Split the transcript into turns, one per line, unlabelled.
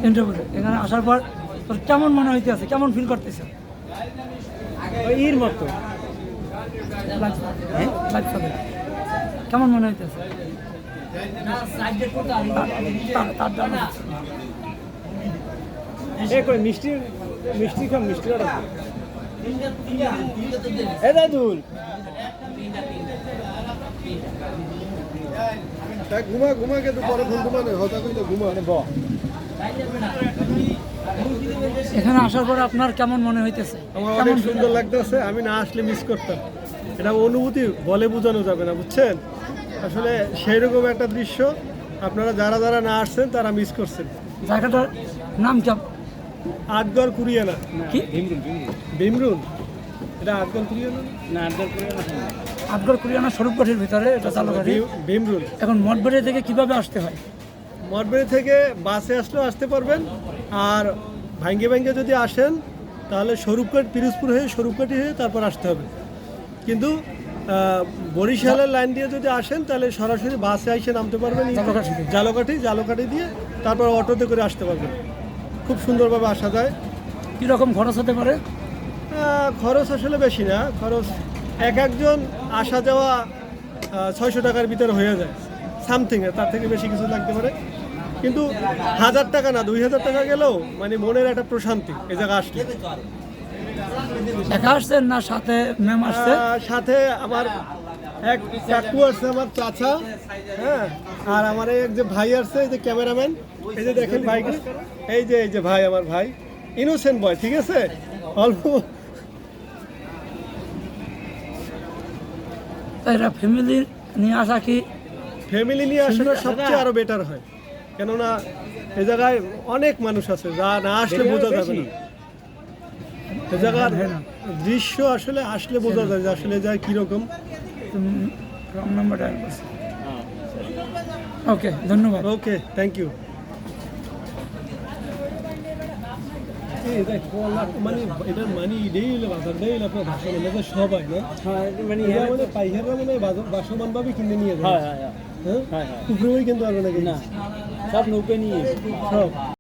Interview এখানে আসার পর তোর কেমন মনে হইতেছে, কেমন ফিল করতেছে?
এর মতো
লাগছে কেমন মনে হইতেছে? তার জন্য
মিষ্টি মিষ্টি খাম মিষ্টি অর্ডার এ দাদুল
ঘুমা ঘুমা কিন্তু পরে ফোন ঘুমানে হতা কইলে ঘুমা
ব
এখানে আসার পর আপনার কেমন মনে হইতেছে?
আমার
কেমন
অনেক সুন্দর লাগতেছে। আমি না আসলে মিস করতাম। এটা অনুভূতি বলে বোঝানো যাবে না, বুঝছেন? আসলে সেই রকম একটা দৃশ্য আপনারা যারা যারা না আসছেন তারা মিস করছেন।
জায়গাটার নাম কি?
আটগড় কুরিয়ানা
কি
ভীমরুন? এটা আটগড় কুরিয়ানা
না আড্ডার করে
আটগড় কুরিয়ানা স্বরূপগড়ের ভিতরে, এটা জালুঘাটি।
ভীমরুন।
এখন মঠবাড়ি থেকে কিভাবে আসতে হয়?
মঠবাড়ি থেকে বাসে আসলেও আসতে পারবেন, আর ভাঙ্গে ভাঙ্গে যদি আসেন তাহলে স্বরূপকাঠ পিরোজপুর হয়ে স্বরূপকাঠি হয়ে তারপর আসতে হবে। কিন্তু বরিশালের লাইন দিয়ে যদি আসেন তাহলে সরাসরি বাসে এসে নামতে পারবেন জালকাঠি দিয়ে, তারপর অটোতে করে আসতে পারবেন। খুব সুন্দরভাবে আসা যায়।
কীরকম খরচ হতে পারে?
খরচ আসলে বেশি না, খরচ একজন আসা যাওয়া 600 টাকার ভিতরে হয়ে যায় সামথিং, তার থেকে বেশি কিছু লাগতে পারে। কিন্তু 1000 টাকা না 2000 টাকা গেলেও মানে মনের একটা প্রশান্তি এই জায়গা আসলে।
একা আসছেন না সাথে ম্যাম আসছে?
সাথে আমার এক কাকু আসছে, আমার চাচা, হ্যাঁ, আর আমার এক যে ভাই আসছে, এই যে ক্যামেরাম্যান, এই যে দেখেন ভাইকে, এই যে ভাই, আমার ভাই ইনোসেন্ট বয়, ঠিক আছে, অল্প।
এরা ফ্যামিলি নিয়ে আসা কি?
ফ্যামিলি নিয়ে আসলে সবচেয়ে আরো বেটার হয়, কেননা এই জায়গায় অনেক মানুষ আছে যা না আসলে বোঝা যাবে না। এই জায়গার দৃশ্য আসলে আসলে বোঝা যায় যে আসলে যায় কিরকম।
রং নাম্বার ডায়াল করছি। ওকে, ধন্যবাদ।
Okay, thank you. মানে এটার মানে এটাই হলো বাজারটাই হলো আপনার ভাষা মানে সবাই না,
মানে
মানে পাইকাররা মানে বাসমান ভাবে কিনে নিয়ে যায়।
হ্যাঁ হ্যাঁ
হ্যাঁ, পুকুরেও কিনতে পারবে না
না সব নৌকে নিয়ে
সব।